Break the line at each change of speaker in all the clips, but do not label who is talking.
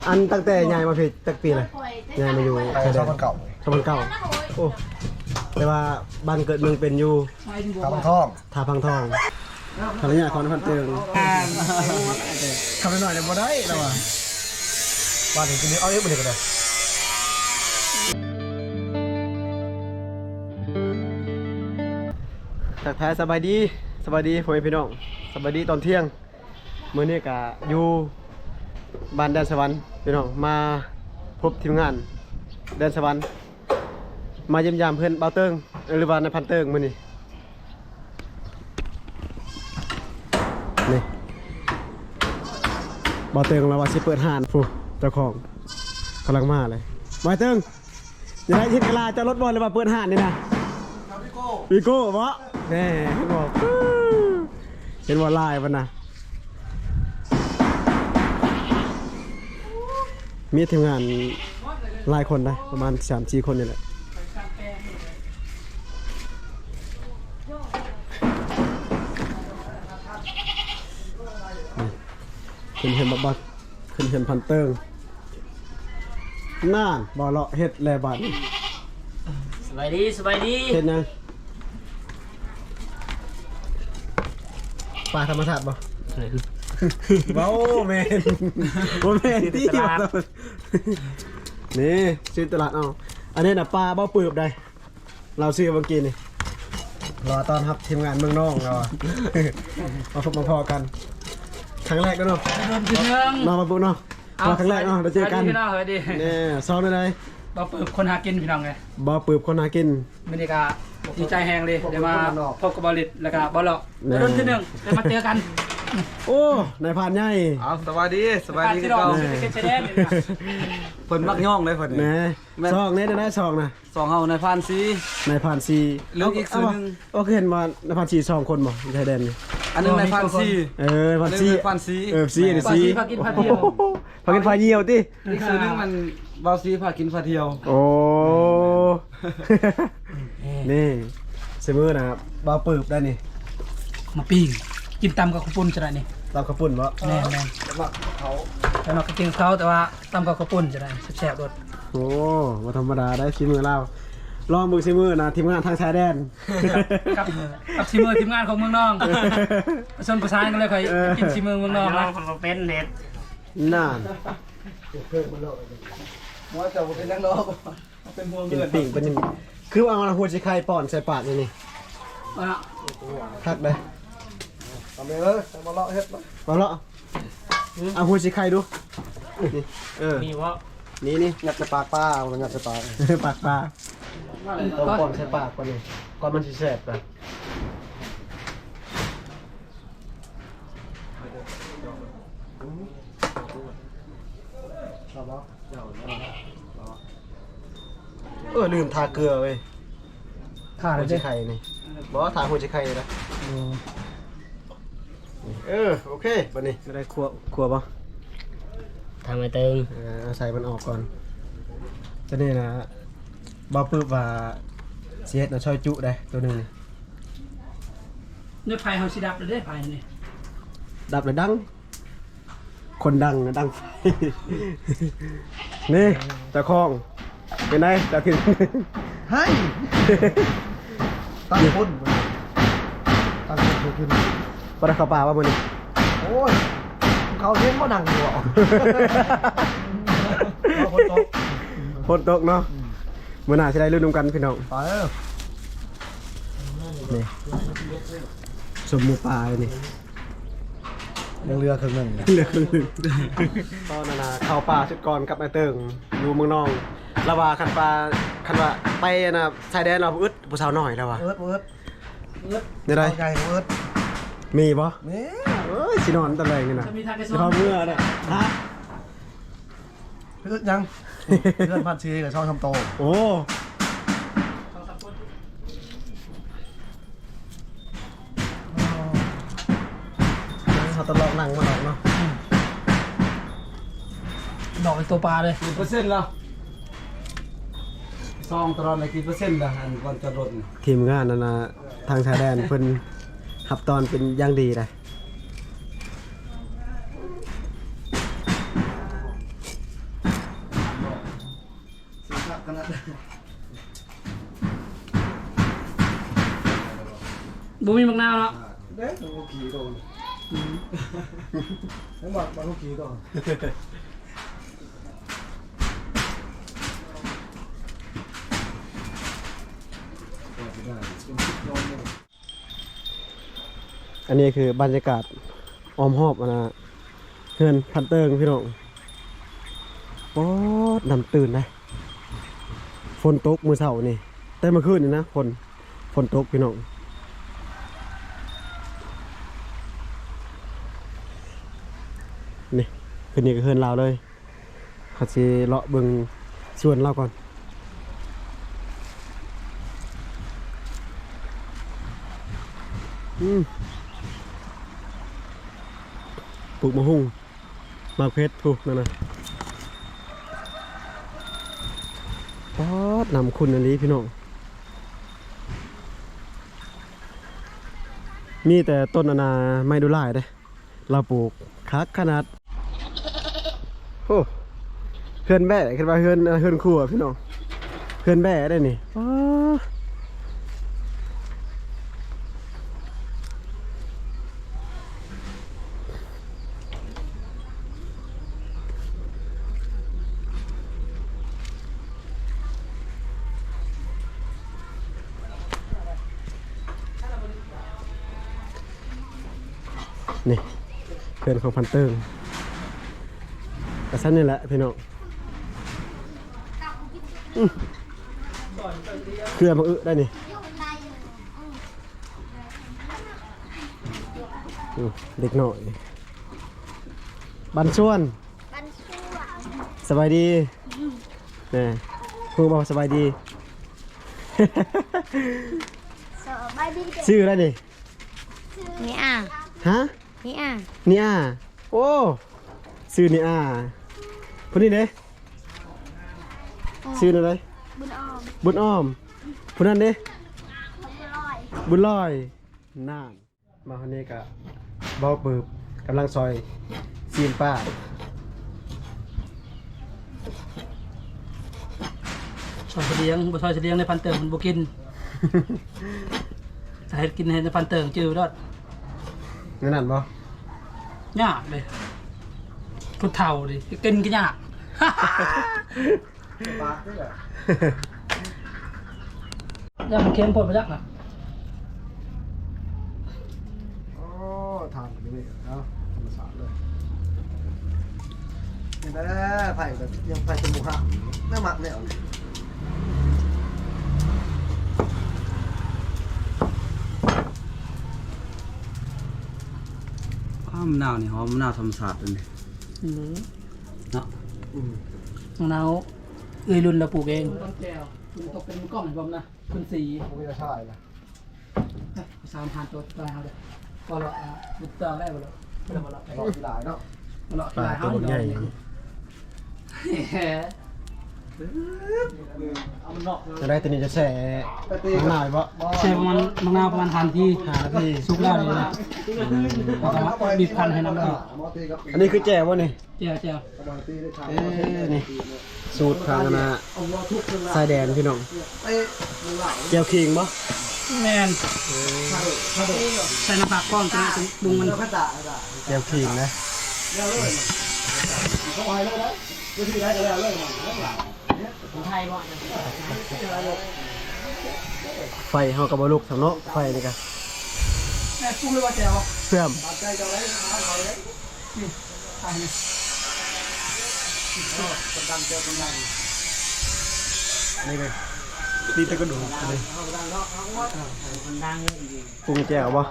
อันตั้งแต่ยายมาพี่ตั้งปีเลยยายมาอยู่ชายแดนชาวบ้านเก่าโอ้แต่ว่าบ้านเกิดเมืองเป็นอยู่ท่าพังทองภรรยาของพันเตืองทำไปหน่อยเดี๋ยวบ่ได้แล้วอ่ะบ้านถึงนี้เอาเยอะไปเลยก็ได้ทักทายสบายดีพ่อแม่พี่น้องสบายดีตอนเที่ยงมื้อนี้ก็อยู่บ้านแดนสวรรค์พี่น้องมาพบทีมงานแดนสวรรค์มาเยี่ยมยามเพื่อนเบาเติงหรือว่าในพันเติงมื้อนี้นี่เบาเติงเราว่าสิเปิดห้านผู้เจ้าของกำลังมาเลยเบาเติงอย่าได้ทิศกะลาจะรถบอลเลยว่าเปิดห้านนี่นะวิโก้เพราะแน่เห็นว่าลายมันนะมีทีมงานหลายคนได้ประมาณ 3-4 คนนี่แหละขึ้นเห็นบักขึ้นเห็นพันเติงน่านบ่เลาะเฮ็ดแลบัด
สบายดี
เฮ็ดยังปลาธรรมชาติบ่เบ้าแมนโอ้แมนที่นี่ซื้อตลาดเอาอันนี้น่ะปลาเบ้าปืบได้เราซื้อเมื่อกี้นี่รอตอนครับทีมงานเมืองน้องเรามาพบมาพอกันครั้งแรกก็เนาะน้องมาปุ๊บเนาะครั้งแรกเนาะเราเจอกันเนี่ยซ้อมได้เลย
บ่ปืบคนหากินพี่น้องไง
บ่ปืบคนหากิน
บรรยากาศดีใจแหงเลยเดี๋ยวมาพบกับบอลลิตแล้วก็บอลเลาะรุ่นที่1เดี๋ยวมาเจอกัน
โอ้นายพานใหญ่
สวัสดี
ที่เราเชแดน
เพิ่นมักย่องเลยเพิ่น
นี่ซองนี่ได้ซองนะ
สองเฮานายพานซี
หรืออีกส่วนนึงโอเคเห็นว่านายพานซี2คนบ่ชายแดนนี่
อันนึงนายพานซี
พานซีซีนี่ซี
พากินพาเที่ยว
พากินพาเที่ยวติ
อีกส่วนนึงมันเบาซีพากินพาเที่ยว
โอ้นี่เสมอนะเบาปืบได้นี่
มาปิ้งกินตำกับข้าวปุ้นจะได้นี่
ตำข้าวปุ้นบ่
แน่แล้วเราก็กินเขาแต่ว่าตำกับข้าวปุ้นจะได้แซ่บๆรส
โอ้มาธรรมดาได้ชิมือเราลองมือชิมือนะทีมงานทางชายแดน
กับชิมือทีมงานของเมืองน้องผสมประสานกันเลยใครกินชิมือเมืองน้องนะเป็นเน็ต
น่า
ว่าจะเป็นนักร้องเป็นพวงเงิน
ปิ่งเป็นคือเอาหัวชิไข่ป่อนใส่ปากนี่ทักได้
เอาไปเลยมาเลาะเฮ็ด
มาเลาะเอาหัวชิไข่ดู
มีวะ
นี่
งัดใส่ปากป้ามันงัดใส่ปาก
ปากปลาต้องป่อนใส่ปากก่อนนี่ก่อนมันสิแสบกันลืมทาเกลือเว้ย
ทาหัวใจ
ไข่นี่บอกว่าทาหัวใจไข่เลยนะโอเคบันนี้ไม่ได้คั่วป่ะ
ทำไมตึง
ใส่มันออกก่อนจะนี่นะบ่าวปื้บว่าเสียดนะช่อยจุได้ตัวหนึ่ง
นี่ไฟเขาสิดับเลยได้ไฟนี่
ดับเลยดังคนดังนะดังไฟนี่ตะคองเป็นไงตะขึ้น
ให้ตั้งคนขึ้น
ปลาข้าวปลาว่ามันนี่
โอ้ยเขาเลี้ยงก็ดังอยู่อ่ะ
ฝนตกเนาะเมื่อหน้าจะได้ลื่นกันพี่น้อง
ไป
นี่สมมูปลาเลยนี่
เรือครึ่งหนึ่ง
ตอนนั้นเข้าป่าชุดก่อนกับนายเติงอยู่เมืองนองระว่าคันว่าไปนะชายแดนเราอึดผู้สาวหน่อยแล้วว่ะได้ไรมีปะ
มี
สินอนตะแรงนี่นะสิพอเมื่อเนี่ยฮะ
อึดยังเพื่อนพันชีกับช่องทำโต
โอ้เขาตลอกหนังมาดอกเนาะ
ดอกเป็นตัวปลาเลย
1%แล้วซองตลอดเลยกี่เปอร์เซ็นต์ละอันก่อนจะลด
ทีมงานนั่นนะทางชายแดนเพิ่นหับตอนเป็นอย่างดีเลย
ขนาด
บุมีมักนาวเนาะ
เด้อลูกขี่ตัวทั้งหมดมาลูกขี่ตัว
อันนี้คือบรรยากาศอ้อมหอบนะเฮือนพันเติงพี่น้องป๊อดนำตื่นนะฝนตกมื้อเช้านี่แต่เมื่อคืนนี่นะฝนตกพี่น้องนี่คืนนี้ก็เฮือนเราเลยเขาสิเลาะเบิ่งสวนเราก่อนปลูกมะฮุ่งมะเพชรถูกนั่นนะป๊อดนำคุณอันนี้พี่น้องมีแต่ต้นนานาไม่ดูหลายเด้เราปลูกคักขนาดโอ้เฮือนแบ่ขึ้นมาเฮือนคู่อ่ะพี่น้องเฮือนแบ่ได้นี่ป๊อดนี่เพื่อนของพันเติงกระสั้นนี่แหละพี่น้องเครือมาได้นี่เด็กหน่อยบันส่วนสบายดีนี่ครูบอกสบายดีชื่ออะไรนี่
นี่อ่ะ
ฮะ
นี่อ่ะ
นี่อ่ะโอ้ชื่อนี่อ่ะคนนี้เด้ชื่ออะไรบุญอ้อมคนนั้นเด้บุญลอยน่านมาคนนี้กะเบาปืบกำลังซอยซีนป้า
ซอยเฉลียงบ่ซอยเฉลียงในพันเติงมันบ่กินถ้าให้กินในพันเติงจืดดอด
นั่นบ่
ยากเลยพุทเฒ่าดิกินก็ยาก
ปากนี่แหละ
ยากมันเค็มพอไปยักนะ
โอ้ทานแบบนี้เนาะธรรมชาติเลยนี่แหละไผ่แบบยังไผ่จมูกหักน่าหมักเนี่ย
มะนาวนี่หอมมะนาวธรรมชาติเลยนี่เนาะ
มะนาวรุ่นเราปลูกเองต้นแก้วตกเป็นกล้องผมนะคุณสี
ไม่ได้ใช่นะ
3,000ตัวตายเอาเลยก็ละบุตรได้บ่ละบ่ละ
ต่อที่หลายเนาะ
ละ
ปลาตัวใหญ่จะได้ตัวนี้จะแช่มะนาวบ่
แช่ประมาณมะนาวประมาณ5 นาทีสุกแล้วนี่นะบีบคั้นให้น้ำมัน
อันนี้คือแจ่วบ่นี่
แจ่ว
นี่สูตรทางนะสายแดนพี่น้องแจ่วขิงบ่
แม่นใส่น้ำผักก้อนจะปรุงมัน
แจ่วขิงนะไฟเฮากับ่ลุกสำเนาะไฟนี่ก็
แม่ปรุงเลยว่าแจ่ว
เสื่อมนี่เลยดีแต่ก็ดูเลยปรุงแจ่วบ่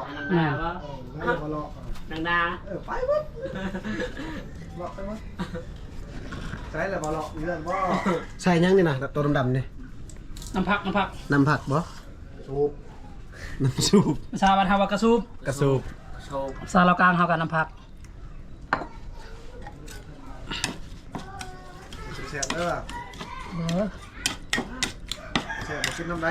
ดัง
ไปวัดเลาะไปมั้งใช่แหละบ่เลาะเลื่อนบ่
ใส่ยังนี่นะตัวดำๆนี่
น้ำผัก
น้ำผักบ่
สูบ
น้ำสูบ
ภาษาบ้านเฮาว่ากระสูบภาษาลาวกลางเฮากันน้ำผัก
เสียบเด้อเสียบมากินน้ำไหน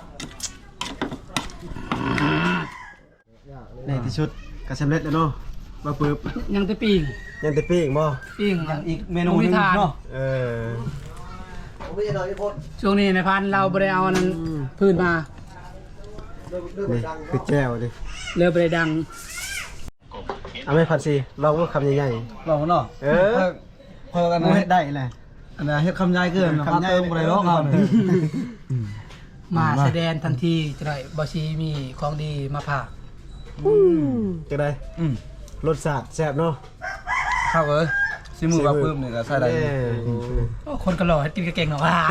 ในที่ชุดกระสำเร็จแล้วเนาะมาปึ๊บ
ยังแต่ปิ้ง
ยังแต่ปิ้งบ่
ปิ้ง
อีกเมนูนึงเนาะ
เออ
ผมไม่ใช่น้อยที่พ้น
ช่วงนี้ในพันเราบ่ได้เอาอันนั้นพื้นมา
นี่คือแก้วดิ
เรือบ่ได้ดัง
เอาไม่พันสิลองว่าคำใหญ่
ลองเนาะ
ๆเออ
พอกัน
กู
นะ
เฮ็ดได้แหละ
อันนั้นเฮ็ดคำใหญ่เกิน
คำใหญ่
เติมบ่ได้เนาะครับ
มาแสดงทันทีจะได้บ่ชีมีของดีมาฝาก
จะได้
อืม
รสชาติแซ่บเนาะ
ครับเอ้ยสิมือกับปื้มนี่ก็ใส่ได้
แน่
โอ้คนก็หล่อให้กินก็เก่งเนาะว่า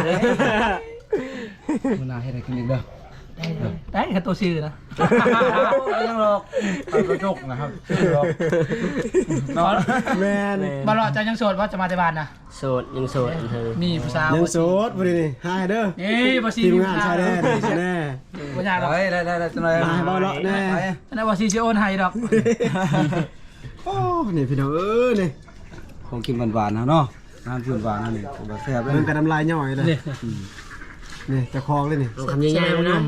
มื้อหน้าเฮ็ดให้กินอีกเด้อ
ได้แค่ตัวชื่อนะ
ยังหรอกกระจกนะครับหรอก
เนาะ
แม่น
บ่รอจะยังโสดว่าจะมาแต่บ้านนะ
โสดยังโสดเธอ
มีผู้สาว
ยังโสดบ่ดีนี่หายเด้อ
นี่บ่ชี
ทีม
มี
งาน
ผู้สาว
ชายแดนนี่แน่
บ่ยากหรอก
ได้จังได๋
มาให้บ่เลาะแน่
อันนั้นบ่ชีสิโอนให้ดอก
โอ้นี่พี่น้องนี่
ของกินหวานๆนะเนาะน้ำพื้นหวานนั่นนี่ก็แซ่บเลย
เบิ่งกันน้ำลายย่อยเลย
นี่
นี่จะคลองเลยนี่
คำใหญ่ๆนะ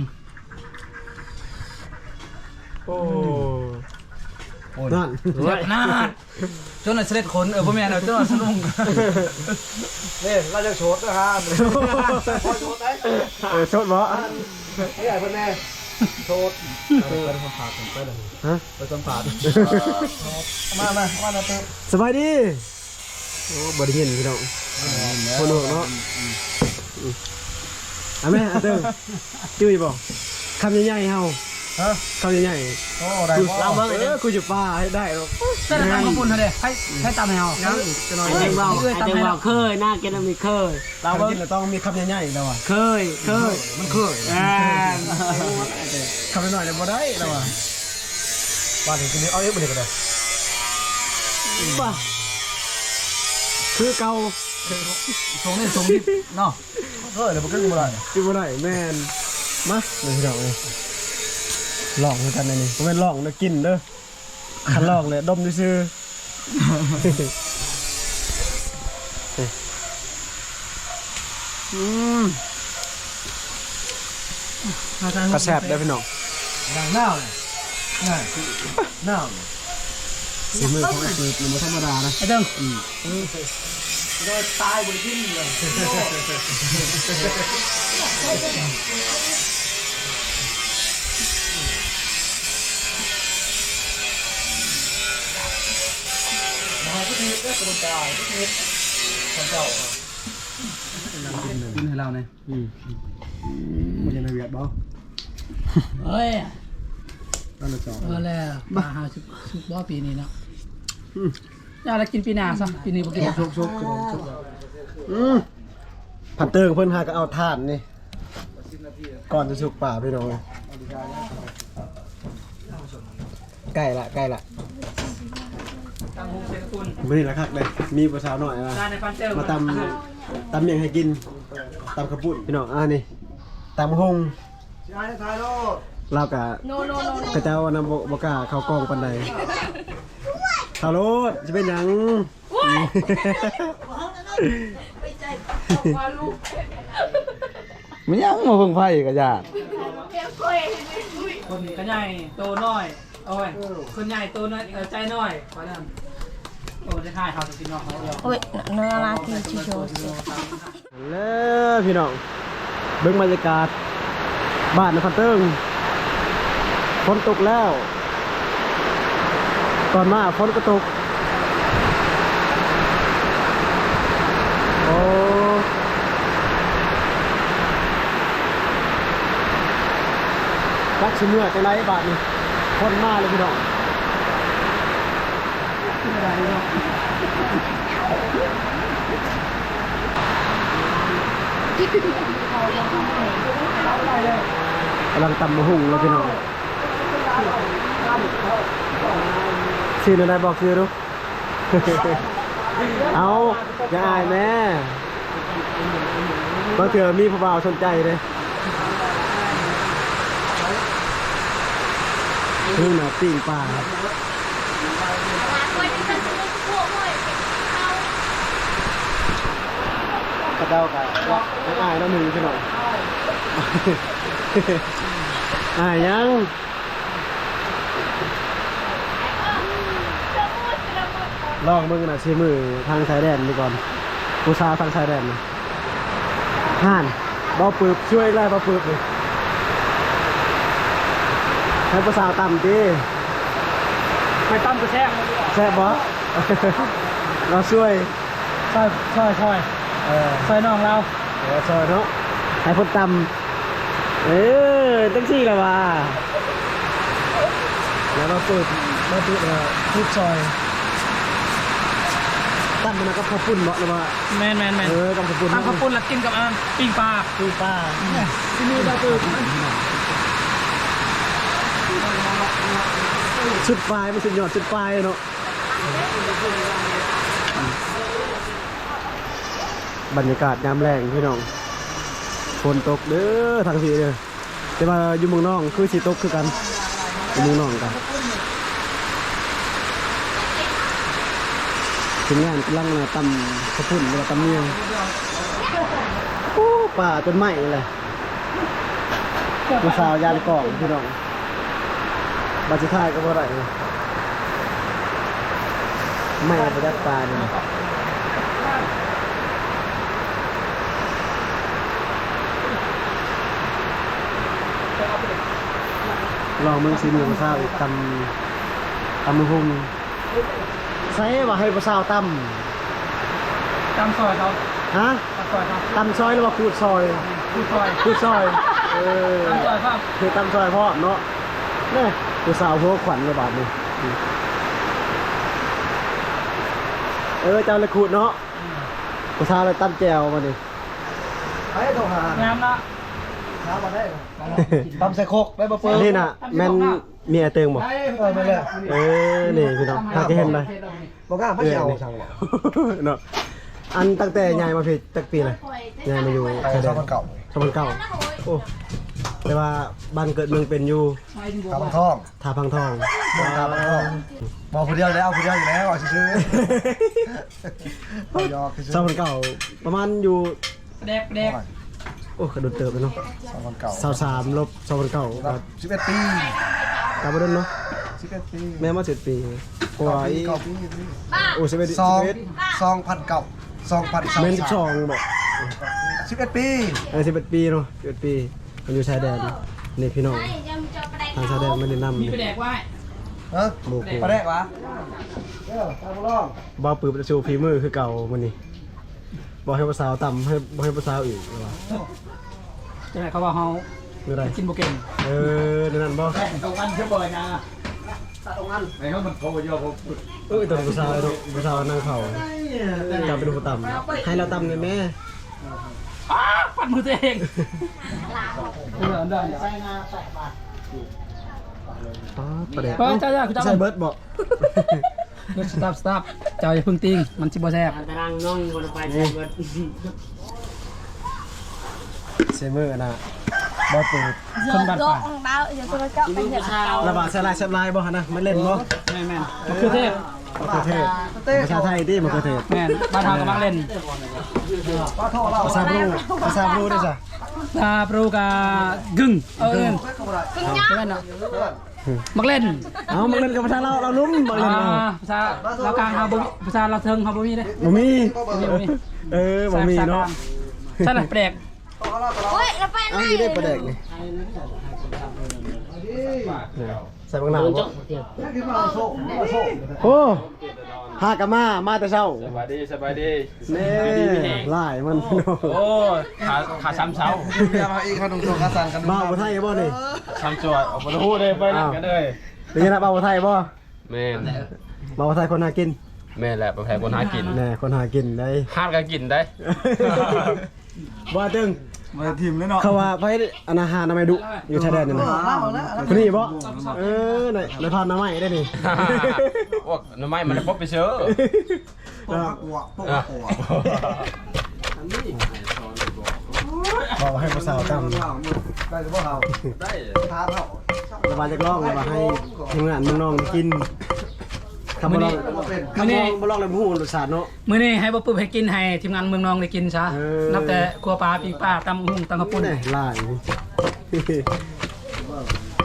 โอ้
โอ้ย
นั่น
เจ็บหน้าจนน่ะเสด็จขนบ่แม่นเอาจนน่ะสนุง
นี่เราจะโชดนะฮะพอโชดได้
โชดบ่
นี่ใหญ่เพื่อนแน่โชด
ฮะ
ไปสัมผัสมาเติม
สบายดีโอ้บ่ได้ยินพี่น้องคนหัวเนาะเอาแม่เอาเติมจุ้ยบ่คำใหญ่ๆเฮา
ฮะ
คำใหญ่
โอ้ได้
ๆเราเบิ่งคุยอยู่ป่าให้ได้หรอก
เส้นตำข้าวปุ้นเท่าเด้ให้ตำให้เฮา
ยังจะน้อย
ไอ้เด้งเบาไอ้เด้งเบาเคยหน้าแกต้องมีเคย
เรากินแล้วต้องมีคำใหญ่ๆแล้วอ่ะ
เคย
มันเคย
อ่า
คำหน่อยๆเนี่ยบ่ได้แล้วอ่ะบ้านถึงนี้เอาเยอะบ่ได้ก็ได้
ป่ะ
คือเก่า
ทรงนี่ทรงนี่เนาะ
เฮ้ยเดี๋ยวมันขึ้นมาเลย
คือบ่ได้แม่นมาเดี๋ยวพี่น้องเลยลองด้วยกันเลยนี่บ่แม่นลองนะกินเด้อคันลองเลยดมซื่อกระแซบได้พี่น้อง
ดังหน้าเลยหน้า
สีมือของไอ้ปืนมันธรรมดานะ
ไอ้เด้ง
ได้ตายบนที่นี่เลย
กินให้เราเนี่ย
มันยังในเวียดบ่
เฮ้ย
นั่นแหละจอ
แล้วมาหาชุบบ่ปีนี้เนาะอย่าละกินปีหน้าซะปีนี้บ่กิน
ชุกผัดเติงเพิ่นหาก็เอาถ่านนี่ก่อนจะสุกป่าพี่น้องใกล้ละ
ตั้งวงเสกุล
มื้อนี้ละคักเลยมีผู้สาวหน่อยมา
การในฟันเติม
มาตำหยังให้กินตำกระปุ้นพี่น้องนี่ตำหง
ชายทายโลด
เรากะกระเจ้านำบกล้าเข้ากองปันใดฮัลโหลจะเป็นหยัง
มันยังมาเพิ่งไผ่กับญาติ
คนก็ใหญ่โตน้อยโอ้ยคนใหญ่โตน้อยใจน้อยขอนั่นโอ้จะทายเขาจะกินน้องเขาเดียว
โอ้ยเนื้อลาทีชิโชส
แล้วพี่น้องเบิ่งบรรยากาศบ้านนครเติ้งฝนตกแล้วตอนมาฝนก็ตกโอ้รักชิเมื่อจังไรบาทนี่คนมาเลยพี่น้องกำลังตำมะฮุ่งแล้วพี่น้องชื่ออะไรบอกชื่อรู้ เอาอย่าอายแม่บางเถื่อมีผู้บ่าวสนใจเลยนี่น่ะปิ้งปลาครับกระเด้ากะยังอายแล้วหนึ่งพี่น้อง อายยังลองมึงน่ะชิมือทางชายแดนดีก่อนผู้สาวทางชายแดนนะห่านบ่ปืบช่วยไล่บ่ปืบเลยให้ผู้สาวต่ำดิ
ไปตั้มกระแทก
แซ่บบ่ เราช่วย
ซอยซอยน้องเรา
ช่วยเนาะให้คนต่ำตั้งสี่ละว่าแล้วเราปืบทุกซอยตั้มมันก็ข้าวปุ้นเหมาะเลยว่า
แมน
ตั้มข้าวปุ้น
ตั้งข้าวปุ้นแล้วกินกับปิ้งปลา
คือป้าที่นี่เราปืบชุดปลายมันสุดยอดชุดปลายเนาะบรรยากาศยามแรงพี่น้องฝนตกเด้อทางสีเด้อแต่ว่าอยู่เมืองน้องคือสีตกคือกันอยู่เมืองน้องกันถึงงานกำลังตำข้าวปุ้นหรือตำเนียงโอ้ป่าจนไหม้เลยผู้สาวยานกล่องพี่น้องบาจิท่ายก็บ่ได้ไม่ไปดักปลาเนี่ยลองมึงสีเหลืองซาวอีกตำมือหุ่มใส่ว่าให้ผู้สาวต
ตำซอยเขา
ำฮะ
ตำซอยเขา
ตำซอยหรือว่าขูดซอย
ผู้ซอย
ขูดซอย
ตำซอยครับ
คือตำซอยพ่อเนาะเนี่ยผู้สาวหัวขวัญกระบาดนี่เจ้าเลยขูดเนาะผู้สาวเลยตำแจวมาดิ
ไปโทรหาง
ามนะ
หามาได้ตำใส่โคกได้บ่เปิ้ล
นี่น่ะแม่นเมียเติงบ่
ไม่เลย
นี่พี่น้องถ้าจะเห็นเลย
บ่กล้าไม่เอาสั่งบ่
เนาะอันตั้งแต่ยายมาพี่ตั้งปีเลยยายมาอยู่ชายแดน
เก่า
ชาวบ้านเก่าโอ้แต่ว่าบ้านเกิดเมืองเป็นอยู่
ทางท่อง
ท่าพังทอง
ทางท่องบอกคนเดียวแล้วคนเดียวอยู่แล้วซื้อๆยอกซื้อ
ชาวบ้านเก่าประมาณอยู่
แดก
โอ้กระโดดเติบเลยเนาะ
ชาวบ้านเก่า
23ลบชาวบ้านเก่า
11 ปี
กลับมาเดินเนาะ
11 ปี
แม่มา7 ปีกว่าอีก
9 ปี
โอ้11
2,000เก่า2,000
เมน12บอก
11 ปี
11 ปีเนาะ11 ปีมันอยู่ชายแดนนี่พี่น้องทางชายแดนไม่ได้นำ
มีไปแดกไว้
ฮะ
หมู่กู
มาได้วะตามร้อง
บ่าวปืบจะชูฝีมือคือเก่ามันนี่บ่ให้ภาษาวต่ำให้บ่ให้ภาษาวอีกว่า
จะไหนเขาว่าเขา
คืออะไร
กินโบเก่ง
เดี๋ยวนั้นบ่
ตรงกันเชื่อบ่อยนะ
ตัวภาษาวเนาะภาษาวนั่งเผาจำเป็นผู้ต่ำให้เราต่ำเลยแม่
ปัดมือตัวเองได้
ประเดี๋ยว
เจ้าคุณเจ้า
ใส่เบิร์ดบอก
สต็อปเจ้าอย่าพึ่งติ้งมันสิบ่แซ่บ
ตารางน้องคนไปใช้เบิด
เซมือนะบ่าวปืบ
คนบ้านป่า
ของเราเดี๋ยวตัวเจ้าไปเห็นเรา
ระบาดใส่ลายแซ่บลายบ่ฮะนะไม่เล่นบ่
แม่นคือเทพ
มะเขือเทศภาษาไทยดิมะเขือเทศ
แม่นบ้านเฮาก็มักเล่น
ภาษาบรูได้จ้ะ
ตาปรูกากึ่งเอิ้นเล่นเนาะมักเล่น
เอามาเล่นกับภาษาเราลุ้มมาเล่นเรา
ภาษาเรากลางเฮาบ่มีภาษาเราเทิงเฮาบ่มีเด้
บ่มีบ่มีเนาะ
ใช่ล่ะแปลก
เฮ้ยเราไปไหน
เอาอยู่ได้ประเด็กนี่ใส่บางหนาว
โดน
บ่
เจาะเดียว
โอ้หากะมาแต่เช้า
สบายดี
แน่หลายมันพี่น้อง
โอ้ขาซ้ำเช้า
อย่ามาอีกขนมตัวกระสันกัน
บ้าวบ่ไทยบ่นี่
ซ้ำจวดออกมาพูดเลยไปนั่งกันเลย
เป็นยังไงบ้าวบ่ไทยบ่
แม่น
บ้าวบ่ไทยคนหากิน
แม่แหละประแพรคนหากิน
แน่คนหากินได้
ห้ามกันกินได้
บ่ตึง
มาทีมเลยเนาะ
เขาว่าไผอนาหารนามัยดุอยู่ชายแดนนี่นะคนนี้บ่ในพานนามัยได้นี่
พวกน้ำไม้มันพบไปเชื้อ
บอกให้ภาษาตำ
ได้หรือเปล่าได้ท้าเท่า
ระบายจากล่องระบายให้ทีมงานน้องๆกินคำว่าลองคำว่าบ่ลองเลยผู้รสชาติเนาะ
มื้อนี้ให้บ่ปึ๊บให้กินให้ทีมงานเมืองนองได้กินซะนับแต่ครัวปลาปิ้งปลาตำหุ่งตำกระปุ้น
นี่ลาย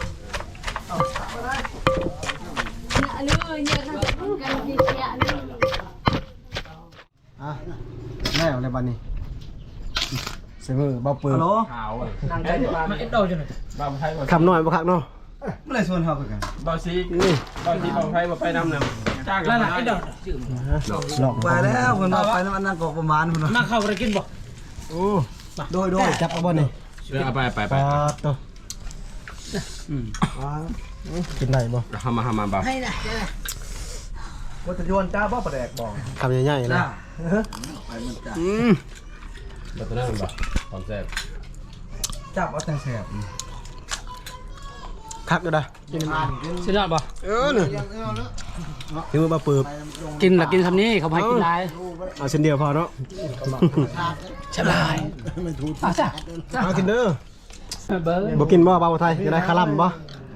อันนี้เยอะนะกันที่เสียอันนี้
แม่อะไรบ้านนี้เสมอเบาปืน
ฮัลโหล
นั่งใจดีกว่ามาเอ็ดโดจังเลย
คำหน่อยบ่คักเนาะ
เมื่อไรส่วนเขาคือกัน
นี่
แล้วน่ะเอ็ดโด
หลอก
ไปแล้วคนมาไปน้ำอันนั้นก็ประมาณคน
นั่งเข้าไปกินบ่
โอ้โดยจับเอาบ่นี่ไปตัวกินได้บ่
ว่าจะโยนจ้าบ่ประแดกบอก
คำใหญ่ๆนะอืม
จับเอาแต่แสบ
คักอยู่ได้
สุดยอดบ่
นี่คือเบาปืน
กินละกินคำนี้เขาให้กินได้
เอาเส้นเดียวพอเนาะ
สบายเอาจ้ะ
มากินเด้อ
เบอร์
บ่กินบ่เบาไทยจะได้คาร่ำบ่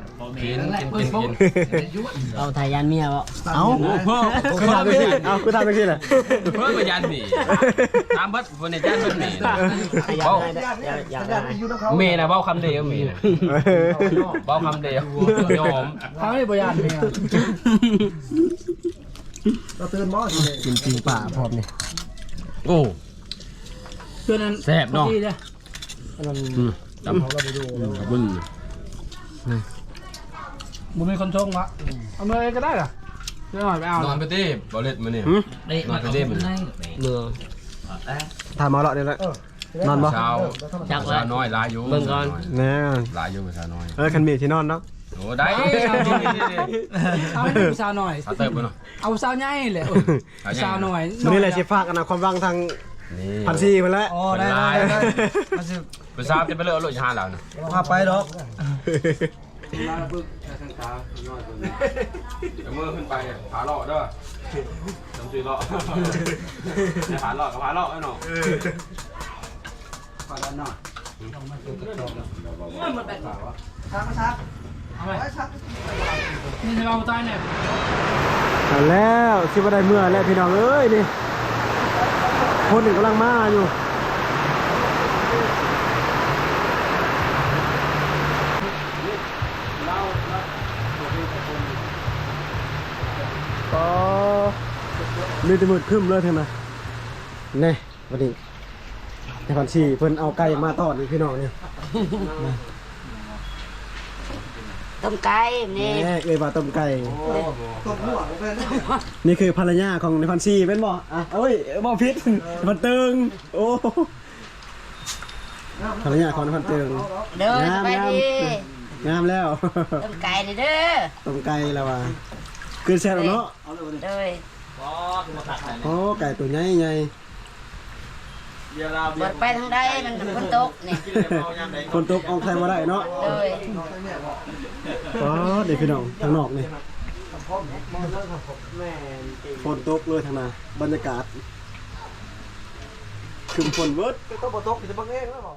เอาไทยยันเมียบ่
เอ้าคือทำจังซี่คือทำจังซี่แหละ
เพิ่มมายันหนีตามบัดวันนี้ยันบัดหนี
อยากได้
เมย์นะเบ้าคำเดียวเมย์นะเบ้าคำเดียวยอม
เขาไม่บริยานเป็นไง
เราตื่นบ่สิ
กินจริงป่าพร้อมนี่
โอ้
เพื่อนนั้น
แซ่บเนาะ
จำเขาก็ไปดู
บึ้ง
บุมีคนชงวะเอามาเลยก็ได้เหรอเดี๋ยวหน่อยไปเอา
นอนไปดิบอลเล็ตมาเนี่ยนอนไปดิมัน
เมือง
ถามมาเลาะนี่แหละนอนบ่
เช้าเช้าน้อยลายอยู่
แน่
ลายอยู่เช้าน้อย
คันมีที่นอนเนาะ
โอ้ได้
เอาให้ผู้สาวหน่อย
เอาเติมไปเนาะ
เอาสาวใหญ่เลยสาวหน่อย
วันนี้แหละสิฝากอนาความหวังทาง
นี่
พันซีมาแล้ว
อ๋อได้มาสิ
ไปทราบจะไปเลือกรถห้าแล้วนะ
พาไปดอก
เมื่อขึ้นไปผาหล่อด้วยจำชื่อหล่อผาหล่อกับผาหล่อไอ้หนู
พาด้านนอก
ชักมาชัก
เอาไป
ไว้ชัก
นี่จะเอาใจเนี่ย
เอาแล้วสิบ่ได้เมื่อแล้วพี่น้องเอ้ยนี่คนหนึ่งกำลังมาอยู่ก็มีแต่มืดครึ้มเลยเท่านั้นแน่วันนี้แต่พันชีเพิ่นเอาไก่มาทอดนี่พี่น้องนี่
ต้มไก่นี่
แน่เอ้ยว่าต้มไก่
ตบหัวผมเป็น
นี่คือภรรยาของในพันชีเป็นบ่อ่ะเอ้ยบ่พิษพันเติงโอ้ภรรยาของในพันเติง
เด้อสบายดี
งามแล้ว
ต้มไก่นี่เด้อ
ต้มไก่แล้วว่ะคือแซ่บเนาะ
เด้อ
โอ้ไก่ตัวใหญ่ใหญ่
เปิดไปทางใดมันฝนตกนี่
คนตกออกใครมาได้เนาะ
เด้อ
อ๋อเด็กพี่น้องทางนอกนี่ฝนตกเลยทางนาบรรยากาศคือฝนเวิร์ด
ต้องบ่ตกจะบังเองแล้วบ่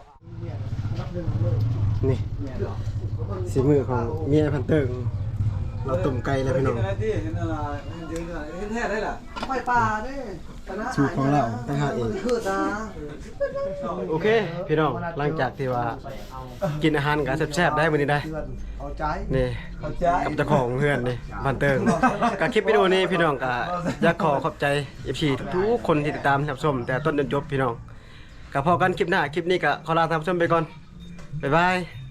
นี่สีมือของเมียพันเติงเราต้มไก่แล้วพี่น้อง
แท้ได้ล่ะไฟป่าเด้
สูตรของเราตั้งหากเอง
คือตา
โอเคพี่น้องหลังจากที่ว่ากินอาหารกันแซ่บๆได้มื้อนี้ได้
เอาใจ
นี่
เอาใจ
กับเจ้าของเพื่อนนี่พันเติงกับคลิปวิดีโอนี้พี่น้องก็อยากขอขอบใจ FC ทุกๆคนที่ติดตามรับชมแต่ต้นจนจบพี่น้องกับพอกันคลิปหน้าคลิปนี้ก็ขอลาท่านผู้ชมไปก่อนบ๊ายบาย